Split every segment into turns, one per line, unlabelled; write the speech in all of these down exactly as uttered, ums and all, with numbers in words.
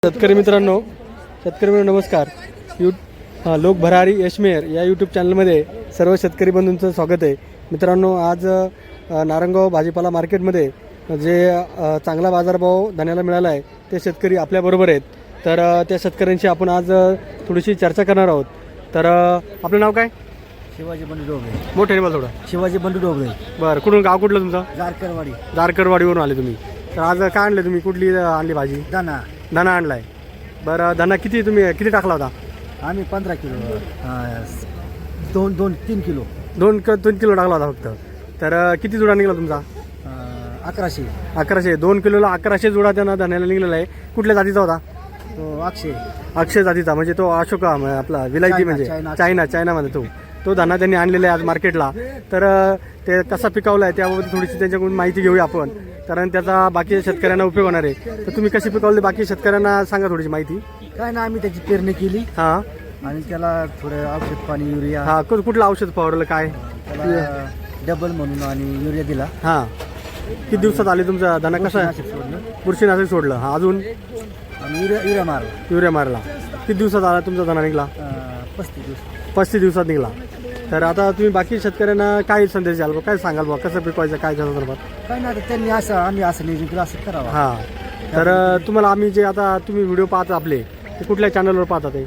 शेतकरी मित्रांनो शेतकरी मित्रांनो नमस्कार. यू हां लोक भरारी यशमेर या यूट्यूब चॅनलमध्ये सर्व शेतकरी बंधूंचं स्वागत आहे. मित्रांनो आज अ, नारंगाव भाजीपाला मार्केटमध्ये जे अ, चांगला बाजारभाव धान्याला मिळाला आहे ते शेतकरी आपल्याबरोबर आहेत. तर अ, त्या शेतकऱ्यांशी आपण आज अ, थोडीशी चर्चा करणार आहोत. तर अ, आपलं नाव काय?
शिवाजी बंडू डोबळे.
मोठे बोला थोडं.
शिवाजी बंडू डोबळे.
बरं, कुठून गाव कुठलं तुमचं?
जारकरवाडी.
दारकरवाडीवरून आले तुम्ही. तर आज काय आणले तुम्ही? कुठली अ, आणली भाजी?
दाना
धना आणलाय. बरं, धना किती तुम्ही किती टाकला होता?
आम्ही पंधरा किलो अं, दोन दोन तीन किलो
दोन क दोन किलो टाकला होता फक्त. तर अ, किती जुडा निघाला तुमचा?
अं, अकराशे.
अकराशे. दोन किलोला अकराशे जुडा त्यांना धान्याला निघलेला आहे. कुठल्या जातीचा होता?
तो अक्षय.
अक्षय जातीचा, म्हणजे तो अशोका म- आपला विलायती
चायना,
म्हणजे
चायना.
चायना चायनामध्ये तो तो धाना त्यांनी आणलेला आहे आज मार्केटला. तर अ, ते कसा पिकवला आहे त्याबाबत थोडीशी त्यांच्याकडून माहिती घेऊया आपण, कारण त्याचा बाकी शेतकऱ्यांना उपयोग होणार आहे. तर तुम्ही कशी पिकवली बाकी शेतकऱ्यांना सांगा थोडीशी माहिती.
काय ना आम्ही त्याची पेरणी केली
हां
आणि त्याला थोडं औषध पाणी युरिया
हां कु- कुठलं औषध फवारलं काय?
त्याला डबल म्हणून आणि युरिया दिला.
हां किती दिवसात आले तुमचा धाना कसा आहे?
नाशिक सोडलं
बुरशीनाशक सोडलं. हां अजून
आणि युरिया युरिया मारला.
युरिया मारला. किती दिवसात आला तुमचा धाना निघाला?
अं, पस्तीस दिवस.
पस्तीस दिवसात निघाला. तर आता तुम्ही बाकी शेतकऱ्यांना काय संदेश द्याल बा? काय सांगाल बा कसं पिकवायचं काय त्या संदर्भात?
काय ना आता त्यांनी असं आम्ही असं नियोजन केलं असं करावं.
हां तर अ, तुम्हाला आम्ही जे आता तुम्ही व्हिडिओ पाहता आपले ते कुठल्या चॅनलवर पाहता? ते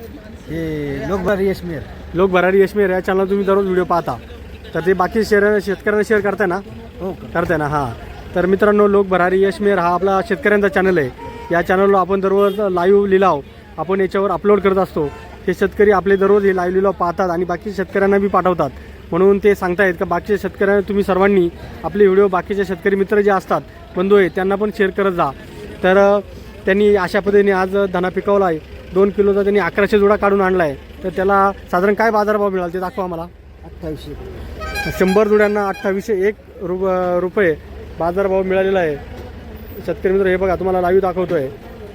हे लोकभर यशमेर.
लोक भरारी यशमेर या चॅनलवर तुम्ही दररोज व्हिडिओ पाहता. तर ते बाकी शेअर शेतकऱ्यांना शेअर करताय ना?
हो का?
करताय ना? हां. तर मित्रांनो लोक भरारी यशमेर हा आपला शेतकऱ्यांचा चॅनल आहे. या चॅनलवर आपण दररोज लाईव्ह लिलाव आपण याच्यावर अपलोड करत असतो. हे शेतकरी आपले दररोज हे लाईव्ह लिलाव पाहतात आणि बाकी शेतकऱ्यांना बी पाठवतात. म्हणून ते सांगतायत का बाकीच्या शेतकऱ्यांना तुम्ही सर्वांनी आपले व्हिडिओ बाकीचे शेतकरी मित्र जे असतात बंधू आहेत त्यांना पण शेअर करत जा. तर अ, त्यांनी अशा पद्धतीने आज धना पिकवला आहे. दोन किलोचा त्यांनी अकराशे जुडा काढून आणला आहे. तर त्याला साधारण काय बाजारभाव मिळाला ते दाखवा मला.
अठ्ठावीसशे.
शंभर जुड्यांना अठ्ठावीसशे एक रु रुपये बाजारभाव मिळालेला आहे. शेतकरी मित्र हे बघा तुम्हाला लाईव्ह दाखवतोय.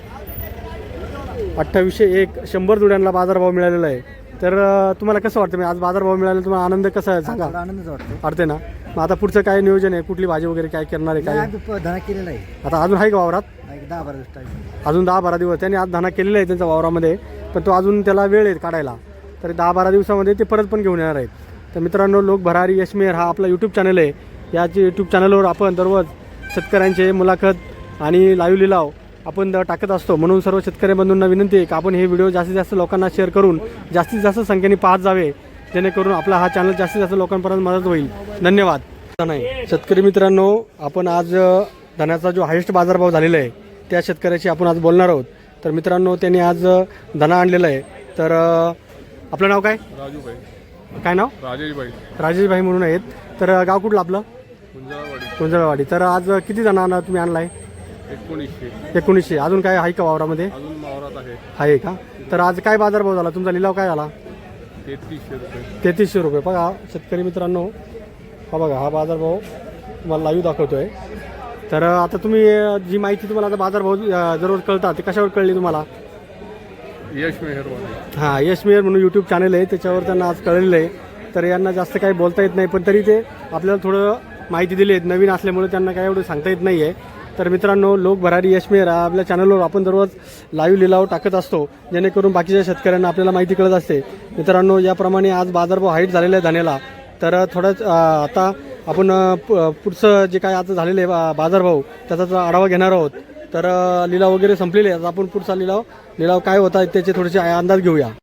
अठ्ठावीसशे एक शंभर जुड्यांना बाजारभाव मिळालेला आहे. तर अ, तुम्हाला कसं वाटतं? मी आज बाजारभाव मिळाला तुम्हाला आनंद कसा आहे सांगा?
थोडा आनंदच वाटतो.
वाटते ना? मग आता पुढचं काय नियोजन आहे? कुठली भाजी वगैरे काय करणार आहे
नाही,
काय?
आम्ही प- धना केलेला आहे.
आता अजून आहे का वावरात?
एक दहा बारा दिवस टाइम.
अजून दहा बारा दिवस त्यांनी आज धना केलेला आहे त्यांच्या वावरामध्ये, पण तो अजून त्याला वेळ आहे काढायला. तर दहा बारा दिवसामध्ये ते परत पण घेऊन येणार आहेत. तर मित्रांनो लोक भरारी यशमेर हा आपला यूट्यूब चॅनल आहे. या यूट्यूब चॅनलवर आपण दररोज शेतकऱ्यांचे मुलाखत आणि लाईव्ह लिलाव आपण द- टाकत असतो. म्हणून सर्व शेतकरी बंधूंना विनंती आहे की आपण हे व्हिडिओ जास्तीत जास्त लोकांना शेअर करून जास्तीत जास्त संख्येने पाहत जावे, जेणेकरून आपला हा चॅनल जास्तीत जास्त लोकांपर्यंत मदत होईल. धन्यवाद. नाही शेतकरी मित्रांनो आपण आज अ, धन्याचा जो हायेस्ट बाजारभाव झालेला आहे त्या शेतकऱ्याशी आपण आज बोलणार आहोत. तर मित्रांनो त्यांनी आज अ, धना आणलेला आहे. तर अ, आपलं नाव काय?
राजूभाई.
काय नाव?
राजेशभाई.
राजेशभाई म्हणून आहेत. तर अ, गाव कुठलं आपलं?
कुंजाळवाडी.
कुंजळवाडी. तर आज किती धना आणा तुम्ही आणलाय?
एकोणीसशे.
एकोणीसशे. अजून काय आहे का वावरामध्ये?
अजून मावरात आहे
आहे का? तर आज काय बाजारभाव झाला तुमचा? लिलाव काय झाला?
तेहतीसशे रुपये.
तेहतीसशे रुपये. बघा शेतकरी मित्रांनो हा बघा हा बाजारभाव तुम्हाला लाईव्ह दाखवतोय. तर अ, आता तुम्ही अ, जी माहिती तुम्हाला आता बाजारभाव अ, दररोज कळतात ते कशावर कळली तुम्हाला?
यश मेहरवाडी.
हां यश मेयर म्हणून यूट्यूब चॅनल आहे त्याच्यावर त्यांना आज कळलेलं आहे. तर यांना जास्त काही बोलता येत नाही, पण तरी ते आपल्याला थोडं माहिती दिली आहे. नवीन असल्यामुळे त्यांना काय एवढं सांगता येत नाही आहे. तर मित्रांनो लोक भरारी यश मेयर हा आपल्या चॅनलवर आपण दररोज लाईव्ह लिलाव टाकत असतो, जेणेकरून बाकीच्या शेतकऱ्यांना आपल्याला माहिती कळत असते. मित्रांनो याप्रमाणे आज बाजारभाव हाईट झालेला आहे धान्याला. तर थोडंच अ, आता आपण अ, प- पुढचं जे काय आता झालेलं आहे बा- बाजारभाव त्याचा आढावा घेणार आहोत. तर अ, लिलाव वगैरे संपलेले आहेत. आता आपण पुढचा लिलाव लिलाव काय होता त्याचे थोडेसे अंदाज घेऊया.